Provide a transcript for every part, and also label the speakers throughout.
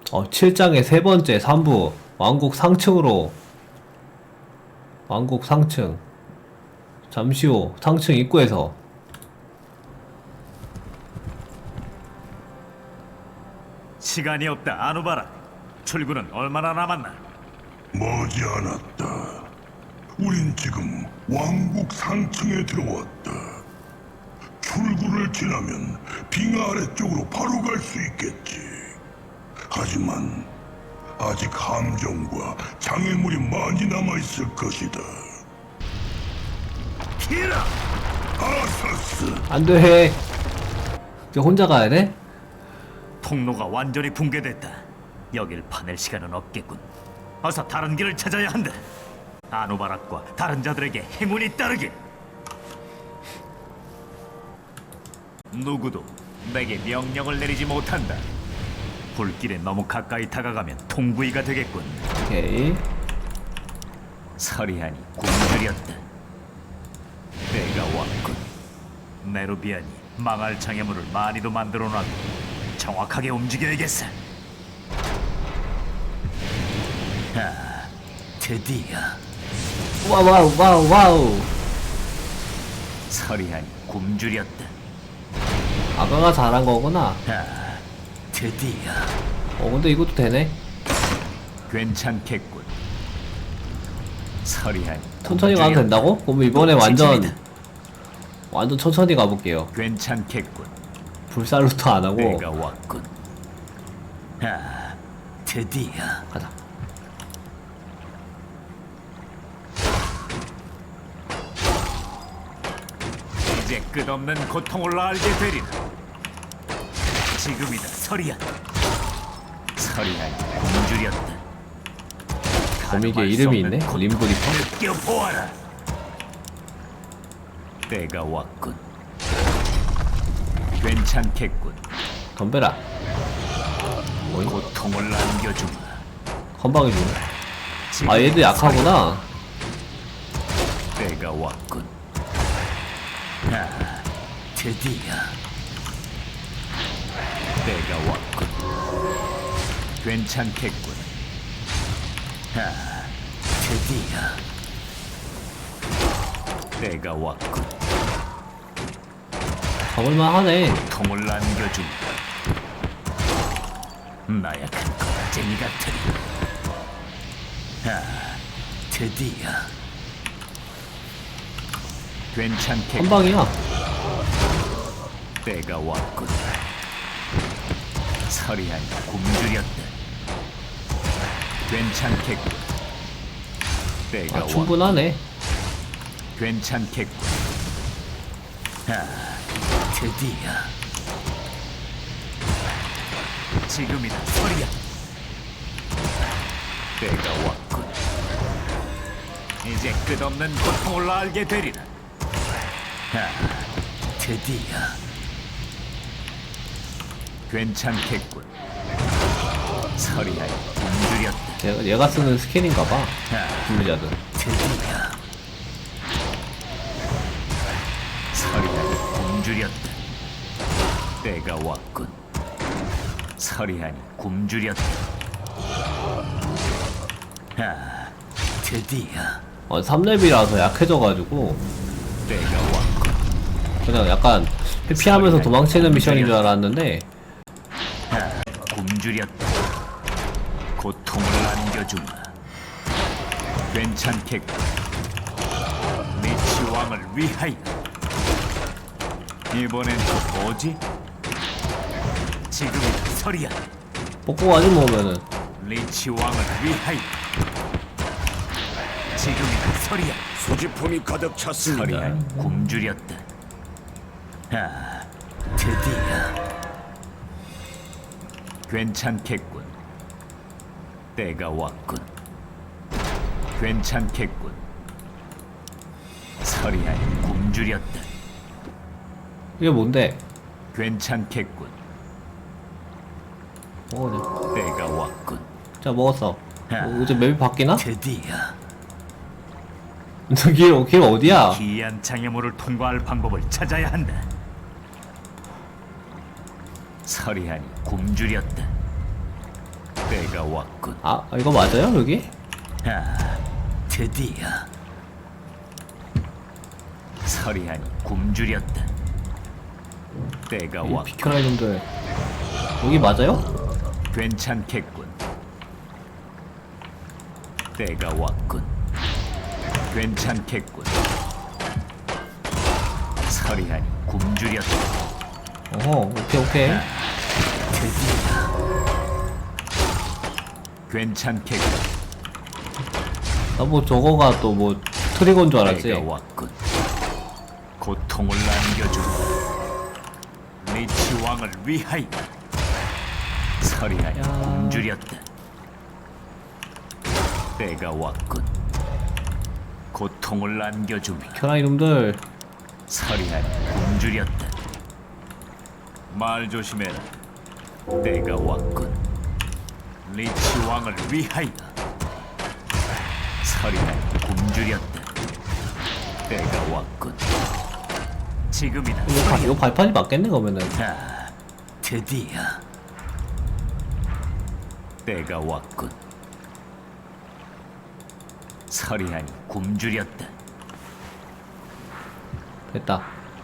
Speaker 1: 7장의 세 번째 3부 왕국 상층으로. 왕국 상층. 잠시 후 상층 입구에서.
Speaker 2: 시간이 없다, 아누바라. 출구는 얼마나 남았나?
Speaker 3: 머지않았다. 우린 지금 왕국 상층에 들어왔다. 출구를 지나면 빙하 아래쪽으로 바로 갈 수 있겠지. 하지만 아직 함정과 장애물이 많이 남아있을 것이다.
Speaker 2: 키라!
Speaker 3: 아사스!
Speaker 1: 안돼. 이제 혼자 가야 돼?
Speaker 2: 통로가 완전히 붕괴됐다. 여길 파낼 시간은 없겠군. 어서 다른 길을 찾아야 한다. 아누바락과 다른 자들에게 행운이 따르길. 누구도 내게 명령을 내리지 못한다. 불길에 너무 가까이 다가가면 통구이가 되겠군.
Speaker 1: 오케이.
Speaker 2: 서리하니 굶주렸다. 때가 왔군. 네루비안이 망할 장애물을 많이도 만들어놨고 정확하게 움직여야겠어. 아, 드디어
Speaker 1: 와우.
Speaker 2: 서리하니 굶주렸다.
Speaker 1: 아가가 잘한 거구나.
Speaker 2: 아, 드디어
Speaker 1: 근데 이것도 되네.
Speaker 2: 괜찮겠군. 서리하니
Speaker 1: 천천히 가도
Speaker 2: 굶주렸다.
Speaker 1: 된다고? 그럼 이번에 완전
Speaker 2: 지침이다.
Speaker 1: 천천히 가볼게요.
Speaker 2: 괜찮겠군.
Speaker 1: 불살루트 안 하고
Speaker 2: 때가 왔군. 아, 드디어
Speaker 1: 가자.
Speaker 2: 이제 끝없는 고통을 알게 되리라. 지금이다, 서리안. 서리안이 굶주렸다.
Speaker 1: 거미게 이름이 있네?
Speaker 2: 고통을
Speaker 1: 림브리퍼?
Speaker 2: 느껴보아라. 때가 왔군. 괜찮겠군.
Speaker 1: 덤벼라.
Speaker 2: 고통을 안겨주마.
Speaker 1: 건방이 주네.
Speaker 2: 지금
Speaker 1: 아 얘도 약하구나.
Speaker 2: 때가 왔군. 아, 드디어 때가 왔군. 괜찮겠군. 아, 드디어 때가 왔군.
Speaker 1: 잡을만 하네.
Speaker 2: 통을 안겨준다. 나약한 거라쟁이 같으니. 아, 드디어 괜찮겠군.
Speaker 1: 건방이야.
Speaker 2: 때가 왔군. 서리한 굶주렸다. 괜찮겠군. 때가 왔군.
Speaker 1: 충분하네.
Speaker 2: 괜찮겠군. 아, 드디어 지금이다, 서리야. 때가 왔군. 이제 끝없는 고통을 알게 되리라. 아, 드디어 괜찮겠군. 서리하여 굶주렸다.
Speaker 1: 얘가 쓰는 스킬인가봐.
Speaker 2: 아,
Speaker 1: 분리자들.
Speaker 2: 드디어 서리하니 굶주렸다. 때가 왔군. 서리하니 굶주렸다. 아, 드디어
Speaker 1: 3렙이라서 약해져가지고
Speaker 2: 때가 왔군.
Speaker 1: 그냥 약간 회피하면서 도망치는 미션인 줄 알았는데
Speaker 2: 아, 굶주렸다. 고통을 안겨주마. 괜찮겠군. 리치 왕을 위하여. 이번엔 또 뭐지? 지금이다, 서리야.
Speaker 1: 뽑고 가지 뭐면은.
Speaker 2: 리치 왕을 위하여. 지금이다, 서리야.
Speaker 3: 소지품이 가득 찼습니다.
Speaker 2: 서리야 굶주렸다. 아, 드디어 괜찮겠군. 때가 왔군. 괜찮겠군. 서리하니 굶주렸다.
Speaker 1: 이게 뭔데?
Speaker 2: 괜찮겠군.
Speaker 1: 먹어야
Speaker 2: 때가 왔군.
Speaker 1: 돼. 자 먹었어. 이제 맵이 바뀌나?
Speaker 2: 드디어
Speaker 1: 길 어디야?
Speaker 2: 기이한 장애물을 통과할 방법을 찾아야 한다. 서리하니 굶주렸다. 때가 왔군.
Speaker 1: 아 이거 맞아요 여기?
Speaker 2: 아, 드디어 서리하니 굶주렸다. 때가
Speaker 1: 이
Speaker 2: 왔군.
Speaker 1: 비켜라 이놈들. 여기 맞아요?
Speaker 2: 괜찮겠군. 때가 왔군. 괜찮겠군. 서리하니 굶주렸다.
Speaker 1: 어허 오케이.
Speaker 2: 괜찮겠군.
Speaker 1: 나 뭐 저거가 또 뭐 트리거인 줄 알았지.
Speaker 2: 때가 왔군. 고통을 안겨준다. 리치 왕을 위하여. 서리하니
Speaker 1: 야.
Speaker 2: 굶주렸다. 때가 왔군. 고통을 안겨주며
Speaker 1: 비켜라 이놈들.
Speaker 2: 서리하니 굶주렸다. 말 조심해라. 때가 왔군. 리치 왕을 위하여. 서리하니 굶주렸다. 때가 왔군. 지금이다.
Speaker 1: 이거 발판이 맞겠네 그러면은.
Speaker 2: 자, 드디어 때가 왔군. 서리하니 굶주렸다.
Speaker 1: 됐다.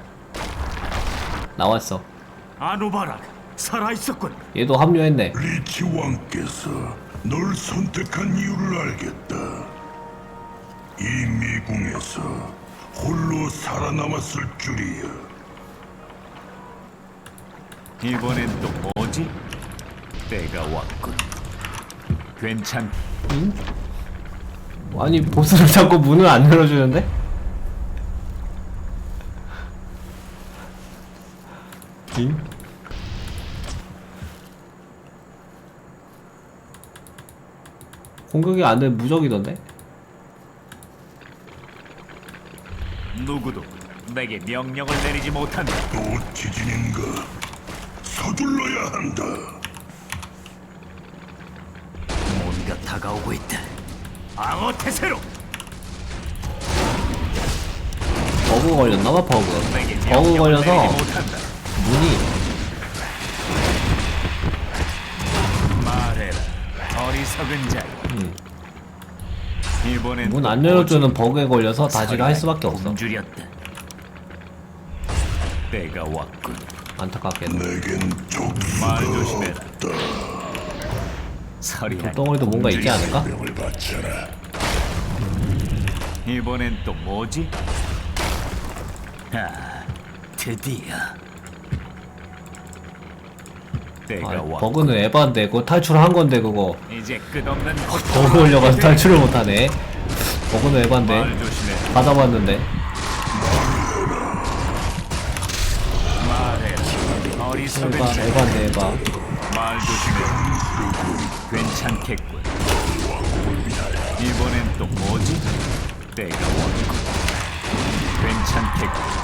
Speaker 1: 나왔어.
Speaker 2: 아누바락 살아있었군.
Speaker 1: 얘도 합류했네.
Speaker 3: 리치 왕께서 널 선택한 이유를 알겠다. 이 미궁에서 홀로 살아남았을 줄이야.
Speaker 2: 이번엔 또 뭐지? 때가 왔군. 괜찮.
Speaker 1: 아니 보스를 자꾸 문을 안 열어주는데? 응? 공격이 안 돼 무적이던데?
Speaker 2: 누구도 내게 명령을 내리지 못한다.
Speaker 3: 또 지진인가? 서둘러야 한다.
Speaker 2: 뭔가 다가오고 있다. 방어 태세로.
Speaker 1: 버그 걸렸나봐 버그.
Speaker 2: 내게
Speaker 1: 버그
Speaker 2: 명령을
Speaker 1: 걸려서
Speaker 2: 내리지 못한다.
Speaker 1: 문이
Speaker 2: 말해라, 어리석은 자. 이번엔
Speaker 1: 문
Speaker 2: 또
Speaker 1: 안 열어주는
Speaker 2: 뭐지?
Speaker 1: 버그에 걸려서 다지를 할 수밖에 없어.
Speaker 2: 굶주렸다. 때가 왔군.
Speaker 1: 안타깝게도.
Speaker 3: 내겐 족수가
Speaker 2: 말 조심해라.
Speaker 3: 없다.
Speaker 2: 서리하니
Speaker 1: 덩어리도 뭔가 있지 않을까?
Speaker 3: 병을 바쳐라.
Speaker 2: 이번엔 또 뭐지? 아, 드디어 때가
Speaker 1: 아,
Speaker 2: 왔군.
Speaker 1: 버그는 에반데 그거 탈출한 건데 그거
Speaker 2: 이제 끝없는
Speaker 1: 버그 걸려가서 탈출을 못하네. 버그는 에반데
Speaker 2: 말 조심해.
Speaker 1: 다 잡았는데.
Speaker 2: 말해라, 어리석은
Speaker 1: 에바
Speaker 2: 자.
Speaker 1: 에반데 에바.
Speaker 2: 말 조심해. 괜찮겠군. 이번엔 또 뭐지? 때가 왔군. 괜찮겠군.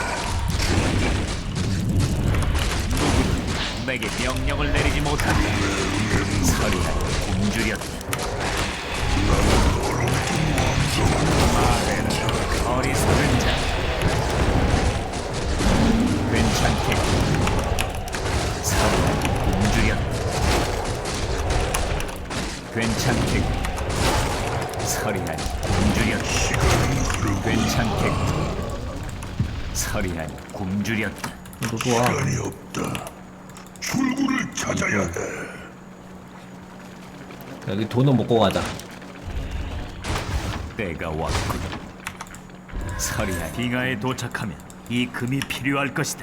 Speaker 2: 누구도 내게 명령을 내리지 못한다. 서리하니 굶주렸다. 말해라, 어리석은 자. 괜찮겠군. 서리하니 굶주렸다. 괜찮겠군. 서리하니 굶주렸다. 괜찮겠군. 서리하니 굶주렸다.
Speaker 1: 누구야?
Speaker 3: 시간이 없다. 출구를 찾아야 해.
Speaker 1: 여기 돈은 먹고 가자.
Speaker 2: 때가 왔군. 서리하니 빙하에 도착하면 이 금이 필요할 것이다.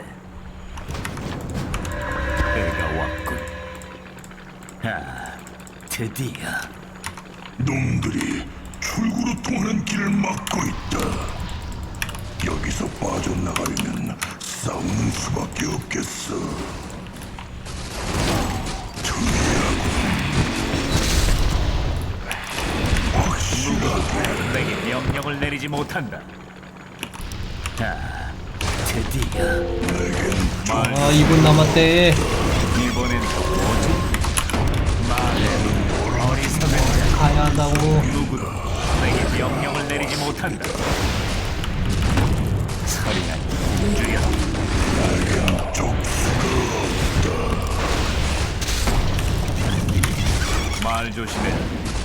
Speaker 2: 때가 왔군. 아, 드디어
Speaker 3: 놈들이 출구로 통하는 길을 막고 있다. 여기서 빠져나가려면 싸우는 수밖에 없겠어. 확실하게
Speaker 2: 내게 명령을 내리지 못한다. 아, 드디어
Speaker 1: 아 2분 남았대.
Speaker 2: 이번엔 또 뭐지? 말해, 어리석은 자.
Speaker 1: 가야 한다고.
Speaker 2: 누구도 내게 명령을 내리지 못한다. 서리하니 굶주렸다. 말 조심해.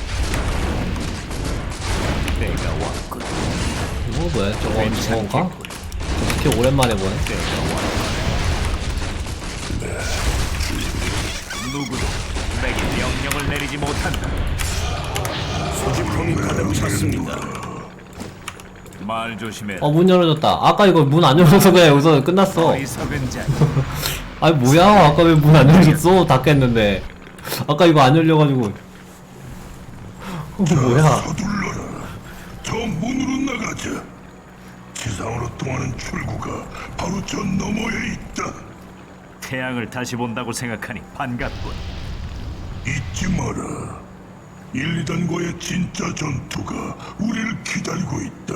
Speaker 2: 내가 왔군.
Speaker 1: 이거 뭐야? 저건가? 스킬 오랜만에 보네.
Speaker 2: 누구도 내게 명령을 내리지 못한다.
Speaker 3: 소지품이 가득 찼습니다.
Speaker 2: 말 조심해.
Speaker 1: 문 열어졌다. 아까 이거 문 안 열어서 그냥 여기서 끝났어.
Speaker 2: 어리석은 자.
Speaker 1: 아니 뭐야? 아까 왜 문 안 열어줬어? 다 깼는데. 아까 이거 안 열려가지고. 뭐야?
Speaker 3: 서둘러라. 저 문으로 나가자. 지상으로 통하는 출구가 바로 저 너머에 있다.
Speaker 2: 태양을 다시 본다고 생각하니 반갑군.
Speaker 3: 잊지 마라. 1, 2단과의 진짜 전투가 우리를 기다리고 있다.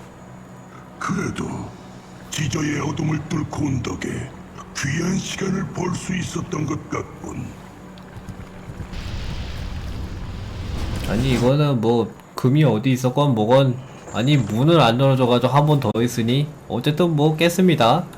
Speaker 3: 그래도 지저의 어둠을 뚫고 온 덕에 귀한 시간을 벌 수 있었던 것 같군.
Speaker 1: 아니 이거는 뭐 금이 어디 있었건 뭐건 아니 문을 안 열어줘가지고 한 번 더 있으니 어쨌든 뭐 깼습니다.